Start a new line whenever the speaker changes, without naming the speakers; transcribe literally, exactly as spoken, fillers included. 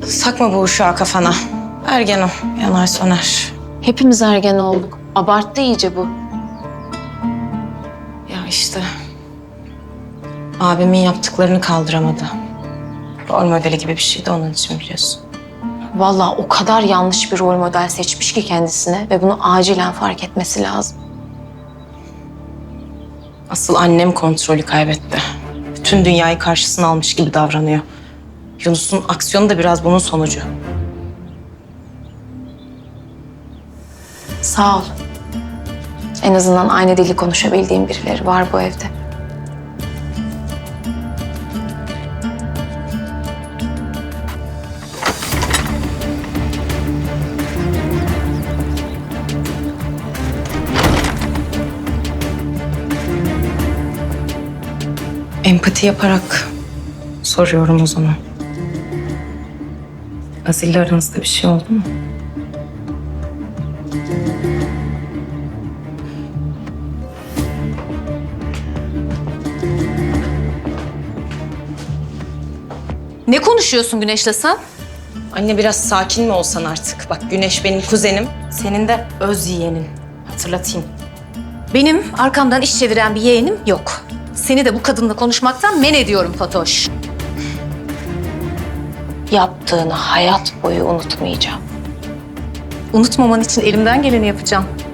Takma bu uşağı kafana. Ergen o, yanar söner.
Hepimiz ergen olduk. Abarttı iyice bu.
Ya işte. Abimin yaptıklarını kaldıramadı. Rol modeli gibi bir şeydi onun için biliyorsun.
Vallahi o kadar yanlış bir rol model seçmiş ki kendisine ve bunu acilen fark etmesi lazım.
Asıl annem kontrolü kaybetti. Bütün dünyayı karşısına almış gibi davranıyor. Yunus'un aksiyonu da biraz bunun sonucu.
Sağ ol. En azından aynı dili konuşabildiğim birileri var bu evde.
Empati yaparak soruyorum o zaman. Azil'le aranızda bir şey oldu mu?
Ne konuşuyorsun Güneş'le sen?
Anne biraz sakin mi olsan artık? Bak Güneş benim kuzenim, senin de öz yeğenin. Hatırlatayım.
Benim arkamdan iş çeviren bir yeğenim yok. Seni de bu kadınla konuşmaktan men ediyorum Fatoş.
Yaptığını hayat boyu unutmayacağım.
Unutmaman için elimden geleni yapacağım.